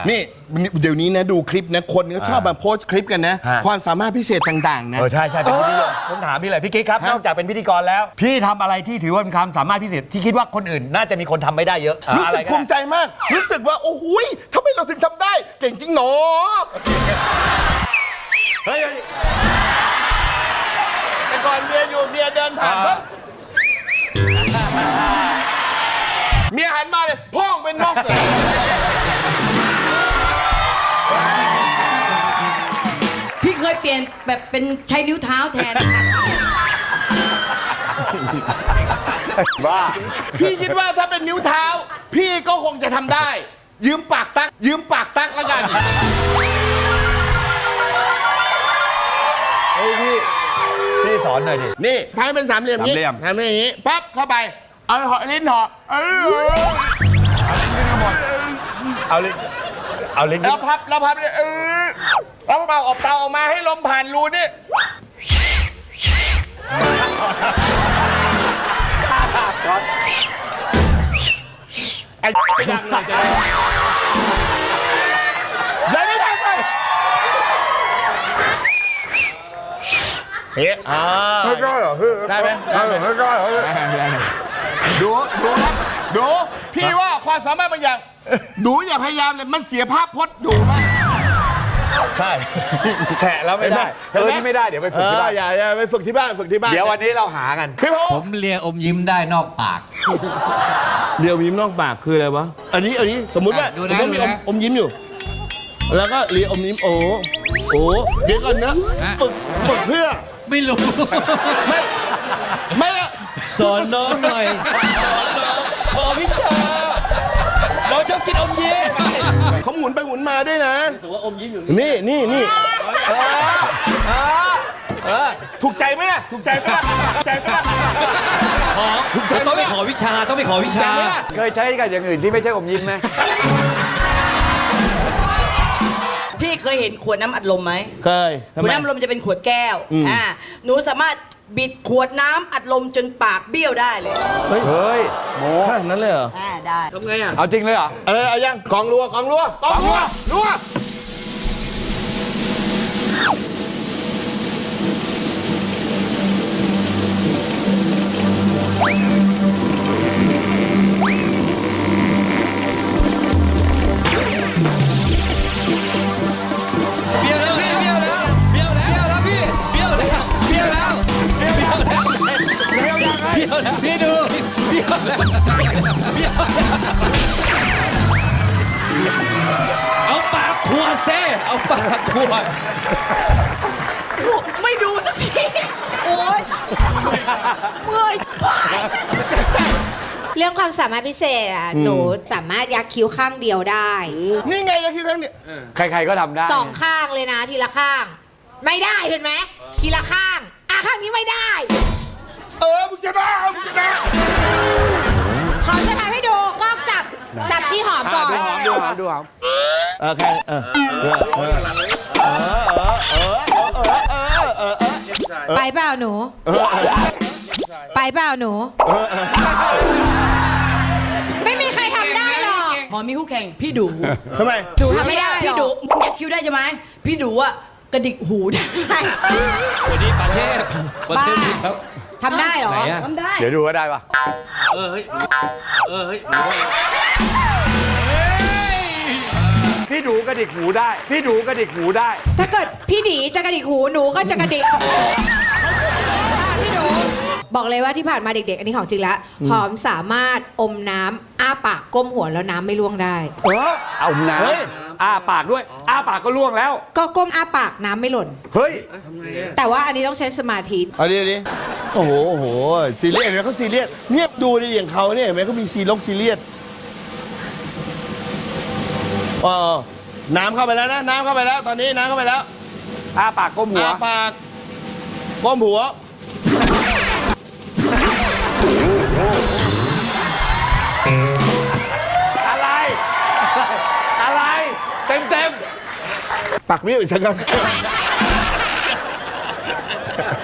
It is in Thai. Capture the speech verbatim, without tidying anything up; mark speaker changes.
Speaker 1: นี่เดี๋ยวนี้นะดูคลิปนะคนก็ชอบมาโพสต์คลิปกันนะความสามารถพิเศษต่างๆนะ
Speaker 2: เออใช่ใช่เป็นพิธีกรผมถามพี่เลยพี่กิ๊กครับนอกจากเป็นพิธีกรแล้วพี่ทำอะไรที่ถือว่าเป็นความสามารถพิเศษที่คิดว่าคนอื่นน่าจะมีคนทำไม่ได้เยอะ
Speaker 1: รู้สึกภูมิใจมากรู้สึกว่าโอ้โหทำไมเราถึงทำได้เก่งจริงหนอ
Speaker 2: เฮ้ย
Speaker 1: แต่ก่อนเมียอยู่เมียเดินผ่านปุ๊บเมียหันมาเลยพ่องเป็นนอกเสือ
Speaker 3: พี่เคยเปลี่ยนแบบเป็นใช้นิ้วเท้าแทน
Speaker 1: บ้าพี่คิดว่าถ้าเป็นนิ้วเท้าพี่ก็คงจะทำได้ยืมปากตักยืมปากตักแล้วกัน
Speaker 2: เฮ้ยพี่พี่สอนหน่อยดิ
Speaker 1: นี่ทำให้เป็นสามเหลี่ยมนี้ทำอย่างนี้ปั๊บเข้าไปเอาหอลิ้นหอเออ
Speaker 2: เอาลิ้นเอาลิ้น
Speaker 1: แล้วพับแล้วพับเลยเออแล้วเป่าออกเป่าออกมาให้ลมผ่านรูนี่ไอ้ไม่ดังเลยจะยังไม่ดังเลยเฮ้ยอ่า
Speaker 2: ไม่ได้เหรอพี่
Speaker 1: ได้ไหมได้ไหม
Speaker 2: ไม่ได้เหรอ
Speaker 1: ดูดูครับดูพี่ว่าความสามารถบางอย่างดูอย่าพยายามเลยมันเสียภาพพจน์ดูมาก
Speaker 2: ใช่แฉะแล้วไม่ได้เออที่ไม่ได้เดี๋ยวไปฝึกที่บ้าน
Speaker 1: อย่าอย่าไปฝึกที่บ้านฝึกที่บ้าน
Speaker 2: เดี๋ยววันนี้เราหากัน
Speaker 1: พี่พงษ์
Speaker 4: ผมเลียอมยิ้มได้นอกปาก
Speaker 1: เลียอมยิ้มนอกปากคืออะไรวะอันนี้อันนี้สมมุติว่าสมมติมีอมอมยิ้มอยู่แล้วก็เลียอมยิ้มโอ้โอ้เดี๋ยวก่อนนะฝึกฝึกเพื่อ
Speaker 4: ไม่รู้
Speaker 1: ไม่ไม่
Speaker 4: สอนน้องหน่อยขอวิชาเราชอบกินอมยิ้ม
Speaker 1: เขาหมุนไปหมุนมาด้วยนะถือว่าอมยิ้มอยู่นี่นี่นี่ถูกใจไหมล่ะถูกใจไหมล่ะถูกใจไหมล่ะ
Speaker 4: ต้องไปขอวิชาต้องไปขอวิชา
Speaker 2: เคยใช้กับอย่างอื่นที่ไม่ใช่อมยิ้มไหม
Speaker 3: พี่เคยเห็นขวดน้ำอัดลมไหม
Speaker 1: เคย
Speaker 3: ขวดน้ำอัดลมจะเป็นขวดแก้วอ่าหนูสามารถบิดขวดน้ำอัดลมจนปากเบี้ยวได้เลย
Speaker 2: เฮ้ยโม้
Speaker 1: ขนาดนั้นเลยเหรอ
Speaker 3: อ่าได้
Speaker 2: ทำไงอ่ะเอาจริงเลยเหรอ
Speaker 1: เออเอายังกองรัวกองรัวกองรัวรัว
Speaker 4: เบี้ยวแล้วพี่เบี้ยวแล้วเบี้ยวแล้วพี่เบี้ยวแล้วเบี้ยวแล้วเบี้ยวแล้วเบี้ยวแล้วพี่ดูเบี้ยวแล้วเบี้ยวเอาปากขวดเซ่เอาปากขวด
Speaker 3: ไม่ดูสักทีโอ๊ยเมื่อย
Speaker 5: เรื่องความสามารถพิเศษอ่ะหนูสามารถยักคิ้วข้างเดียวได้
Speaker 1: นี่ไงยักคิ้วข้างเดียว
Speaker 2: ใครๆก็ทำได้
Speaker 5: สองข้างเลยนะทีละข้างไม่ได้เห็นไหมทีละข้างอ่ะข้างนี้ไม่ได้
Speaker 1: เออมึงจะได้มึงจะได้
Speaker 5: หอมจะทำให้ดูกล้องจับจับที่หอมก่อน
Speaker 2: ดูหอมดูหอมดูหอม
Speaker 1: โอเคเออเออเออเออเออเออ
Speaker 5: ไปเปล่าหนูไปเปล่าหนูไม่มีใครทำได้หรอก
Speaker 3: หมอมีคู่แข่งพี่ดู
Speaker 1: ทำไม
Speaker 5: ดูทำไม่ได้
Speaker 3: พี่ดูยักคิ้วได้ใช่ไหมพี่ดูอะกระดิกหูได้
Speaker 4: วันนี้ประเทศประเทศครับ
Speaker 5: ทำได้หรอ
Speaker 3: ทำได้
Speaker 2: เดี๋ยวดูว่าได้ปะ
Speaker 4: เออเฮ้ยเออเฮ้ย
Speaker 2: พี่ดูกระดิกหูได้พี่ดูกระดิกหูได้
Speaker 5: ถ้าเกิดพี่ดีจะกระดิกหูหนูก็จะกระดิกพี่ดูบอกเลยว่าที่ผ่านมาเด็กๆอันนี้ของจริงแล้วหอมสามารถอมน้ำอ้าปากก้มหัวแล้วน้ำไม่ล่วงได้
Speaker 2: เออเอาน้ำอ้าปากด้วยอ้าปากก็ล่วงแล้ว
Speaker 5: ก็ก้มอ้าปากน้ำไม่หล่น
Speaker 2: เฮ้ย
Speaker 5: แต่ว่าอันนี้ต้องใช้สมาธิ
Speaker 1: เอาดิดิโอ้โหโอ้โหซีเรียสเห็นไหมเขาซีเรียสเนี่ยดูดิอย่างเขาเนี่ยเห็นไหมเขามีซีลงซีเรียสอ๋อน้ำเข้าไปแล้วนะน้ำเข้าไปแล้วตอนนี้น้ำเข้าไปแล้ว
Speaker 2: อ้าปากก้มหัว
Speaker 1: อ้าปากก้มหัว
Speaker 2: อะไรอะไรเต็มเต็ม
Speaker 1: ปักเบี้ยวอีกสักครั้ง